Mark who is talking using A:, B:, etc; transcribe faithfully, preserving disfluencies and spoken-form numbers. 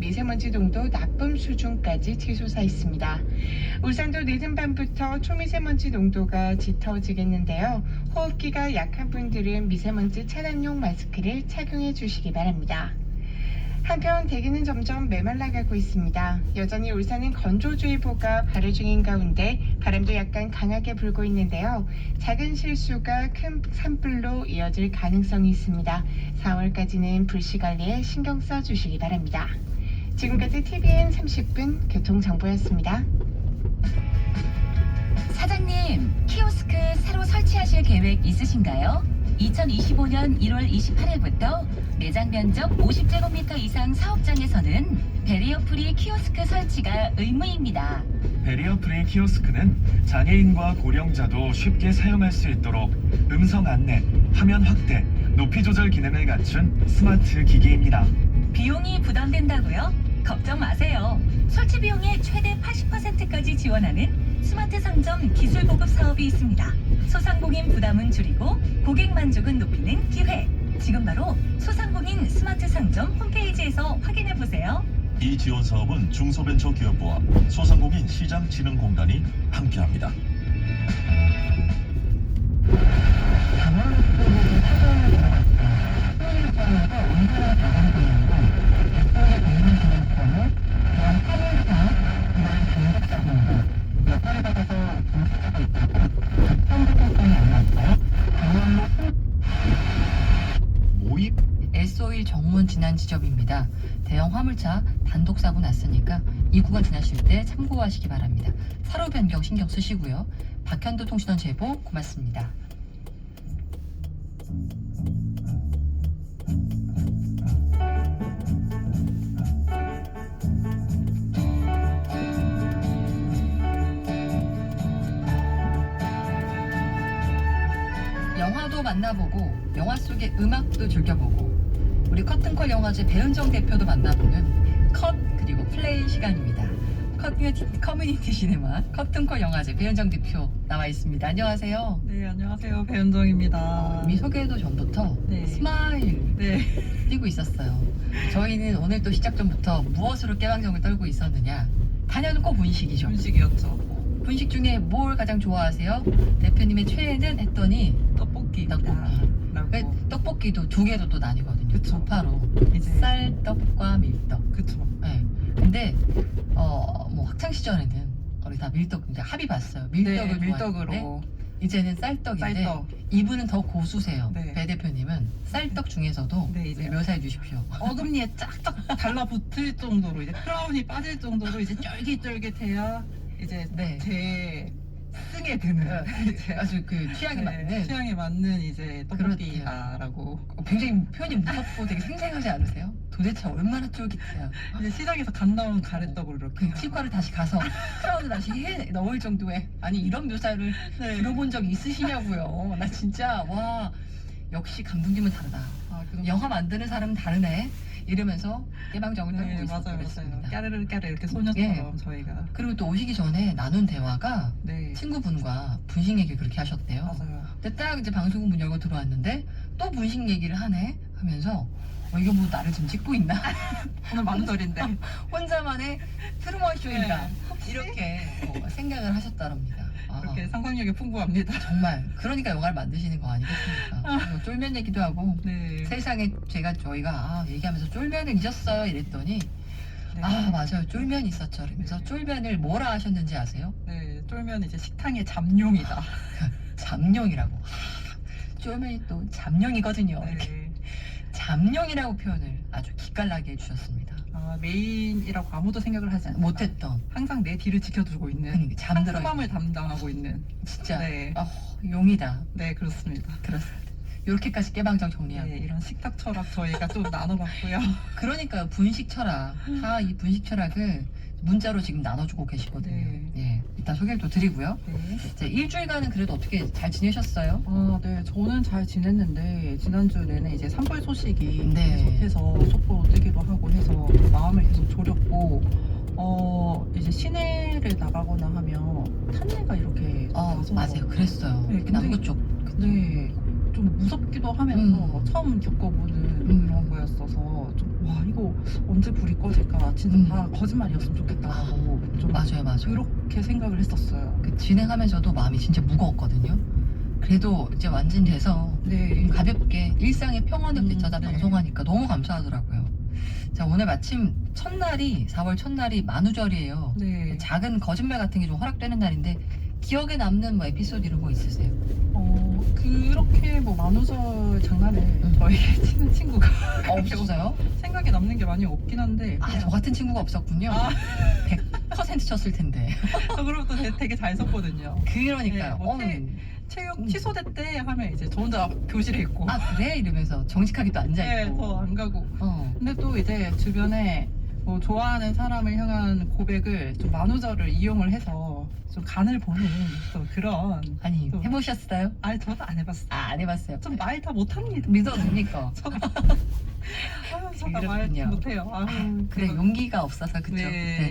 A: 미세먼지 농도 나쁨 수준까지 치솟아 있습니다. 울산도 늦은 밤부터 초미세먼지 농도가 짙어지겠는데요. 호흡기가 약한 분들은 미세먼지 차단용 마스크를 착용해 주시기 바랍니다. 한편 대기는 점점 메말라가고 있습니다. 여전히 울산은 건조주의보가 발효 중인 가운데 바람도 약간 강하게 불고 있는데요. 작은 실수가 큰 산불로 이어질 가능성이 있습니다. 사월까지는 불씨 관리에 신경 써주시기 바랍니다. 지금까지 티비엔 삼십 분 교통정보였습니다.
B: 사장님, 키오스크 새로 설치하실 계획 있으신가요? 이천이십오년 일월 이십팔일부터 매장 면적 오십 제곱미터 이상 사업장에서는 베리어 프리 키오스크 설치가 의무입니다.
C: 베리어 프리 키오스크는 장애인과 고령자도 쉽게 사용할 수 있도록 음성 안내, 화면 확대, 높이 조절 기능을 갖춘 스마트 기기입니다.
B: 비용이 부담된다고요? 걱정 마세요. 설치 비용의 최대 팔십 퍼센트까지 지원하는 스마트 상점 기술 보급 사업이 있습니다. 소상공인 부담은 줄이고 고객 만족은 높이는 기회. 지금 바로 소상공인 스마트 상점 홈페이지에서 확인해 보세요.
D: 이 지원 사업은 중소벤처기업부와 소상공인 시장진흥공단이 함께합니다.
C: 모입
E: 에스오일 정문 진안 지점입니다. 대형 화물차 단독 사고 났으니까 이 구간 지나실 때 참고하시기 바랍니다. 차로 변경 신경 쓰시고요. 박현도 통신원 제보 고맙습니다. 영화도 만나보고 영화 속의 음악도 즐겨보고 우리 커튼콜 영화제 배은정 대표도 만나보는 컷 그리고 플레이 시간입니다. 커뮤니티, 커뮤니티 시네마 커튼콜 영화제 배은정 대표 나와 있습니다. 안녕하세요.
F: 네, 안녕하세요. 배은정입니다.
E: 이미 소개도 전부터
F: 네.
E: 스마일
F: 네.
E: 띄고 있었어요. 저희는 오늘 또 시작 전부터 무엇으로 깨방정을 떨고 있었느냐. 단연은 꼭 분식이죠.
F: 음식이었죠.
E: 분식 중에 뭘 가장 좋아하세요? 대표님의 최애는 했더니
F: 떡볶이.
E: 떡볶이.
F: 라고.
E: 그 떡볶이도 두 개로 또 나뉘거든요.
F: 그쵸.
E: 두 파로
F: 이제
E: 쌀떡과 밀떡.
F: 그쵸.
E: 네. 근데 어 뭐 학창 시절에는 우리 다 밀떡 이제 합의 봤어요. 밀떡을
F: 네,
E: 좋아했는데
F: 밀떡으로.
E: 이제는 쌀떡인데
F: 쌀떡.
E: 이분은 더 고수세요.
F: 네.
E: 배 대표님은 쌀떡 중에서도
F: 네, 이제
E: 묘사해 주십시오.
F: 어금니에 쫙쫙 달라붙을 정도로 이제 크라운이 빠질 정도로 이제 쫄깃쫄깃해야 이제
E: 네.
F: 제 승에 드는 이제
E: 아주 그 취향에
F: 네,
E: 맞는
F: 취향에 맞는 이제 떡볶이다라고.
E: 어, 굉장히 표현이 무섭고 되게 생생하지 않으세요? 도대체 얼마나 쫄깃해요?
F: 이제 시장에서 갓 나온 가래떡을 이렇게.
E: 그 치과를 다시 가서 크라운을 다시 해 넣을 정도의 아니 이런 묘사를
F: 네.
E: 들어본 적 있으시냐고요. 나 진짜 와 역시 감독님은 다르다.
F: 아, 그럼
E: 영화 만드는 사람은 다르네. 이러면서 깨방정을 떨고
F: 네, 맞아요, 맞아요.
E: 있었습니다.
F: 까르르 까르 이렇게 소녀처럼 저희가.
E: 그리고 또 오시기 전에 나눈 대화가
F: 네.
E: 친구분과 분식 얘기 그렇게 하셨대요.
F: 맞아요.
E: 근데 딱 이제 방송국 문 열고 들어왔는데 또 분식 얘기를 하네 하면서 어, 이거 뭐 나를 지금 찍고 있나?
F: 오늘 만돌인데.
E: 혼자만의 트루먼 쇼인가?
F: 네.
E: 이렇게 어, 생각을 하셨다랍니다. 아,
F: 그렇게 상상력이 풍부합니다.
E: 정말 그러니까 영화를 만드시는 거 아니겠습니까? 그리고 쫄면 얘기도 하고
F: 네.
E: 세상에 제가 저희가 아, 얘기하면서 쫄면을 잊었어요 이랬더니
F: 네.
E: 아 맞아요 쫄면 있었죠 이러면서 쫄면을 뭐라 하셨는지 아세요?
F: 네, 쫄면 이제 식탕의 잠룡이다.
E: 잠룡이라고. 하, 쫄면이 또 잠룡이거든요. 이렇게
F: 네.
E: 잠룡이라고 표현을 아주 기깔나게 해주셨습니다.
F: 아, 메인이라고 아무도 생각을 하지 않는다.
E: 못했던
F: 항상 내 뒤를 지켜주고 있는
E: 그러니까 잠들어
F: 상품함을 담당하고 있는.
E: 진짜
F: 네.
E: 아, 용이다.
F: 네, 그렇습니다.
E: 그렇습니다. 이렇게까지 깨방정 정리하고
F: 네, 이런 식탁 철학 저희가 좀 나눠봤고요.
E: 그러니까 분식 철학 다 이 분식 철학을 문자로 지금 나눠주고 계시거든요.
F: 네.
E: 예, 이따 소개를 또 드리고요.
F: 네.
E: 이제 일주일간은 그래도 어떻게 잘 지내셨어요?
F: 아, 네, 저는 잘 지냈는데 지난주 내내 이제 산불 소식이
E: 네.
F: 계속해서 속보로 뜨기도 하고 해서 마음을 계속 졸였고, 어 이제 시내를 나가거나 하면 탄내가 이렇게
E: 어
F: 나서
E: 맞아요. 그랬어요.
F: 네, 근데-
E: 남부 쪽.
F: 네, 좀 무섭기도 하면서
E: 음.
F: 처음 겪어보는
E: 음.
F: 그런 거여서 상황이었어서 좀, 와 이거 언제 불이 꺼질까 진짜
E: 음.
F: 다 거짓말이었으면 좋겠다라고 좀
E: 맞아요, 맞아요.
F: 그렇게 생각을 했었어요.
E: 그 진행하면서도 마음이 진짜 무거웠거든요. 그래도 이제 완진돼서
F: 네.
E: 가볍게 일상의 평온을
F: 음,
E: 되찾아
F: 네.
E: 방송하니까 너무 감사하더라고요. 자, 오늘 마침 첫날이 사월 첫날이 만우절이에요.
F: 네.
E: 작은 거짓말 같은 게 좀 허락되는 날인데 기억에 남는 뭐 에피소드 이런 거 있으세요?
F: 어 그렇게 뭐 만우절 장난을
E: 음.
F: 저에게 치는 친구가
E: 없었어요?
F: 생각에 남는 게 많이 없긴 한데
E: 아, 저 같은 친구가 없었군요.
F: 아.
E: 백 퍼센트 쳤을 텐데.
F: 저 그리고 또 되게, 되게 잘 썼거든요.
E: 그러니까요.
F: 네, 뭐
E: 어,
F: 태- 체육
E: 음.
F: 취소됐대 하면 이제 저 혼자 교실에 있고
E: 아, 그래? 이러면서 정직하게 또
F: 네,
E: 앉아있고.
F: 더 안 가고.
E: 어.
F: 근데 또 이제 주변에 뭐 좋아하는 사람을 향한 고백을 좀 만우절을 이용을 해서 좀 간을 보는 또 그런.
E: 아니,
F: 또-
E: 해보셨어요?
F: 아니 저도 안 해봤어요.
E: 아, 안 해봤어요.
F: 좀 말 다 못합니다.
E: 믿어집니까?
F: 아유, 저다 말
E: 그렇군요.
F: 못해요. 아유,
E: 그래,
F: 그래서-
E: 용기가 없어서, 그쵸?
F: 네.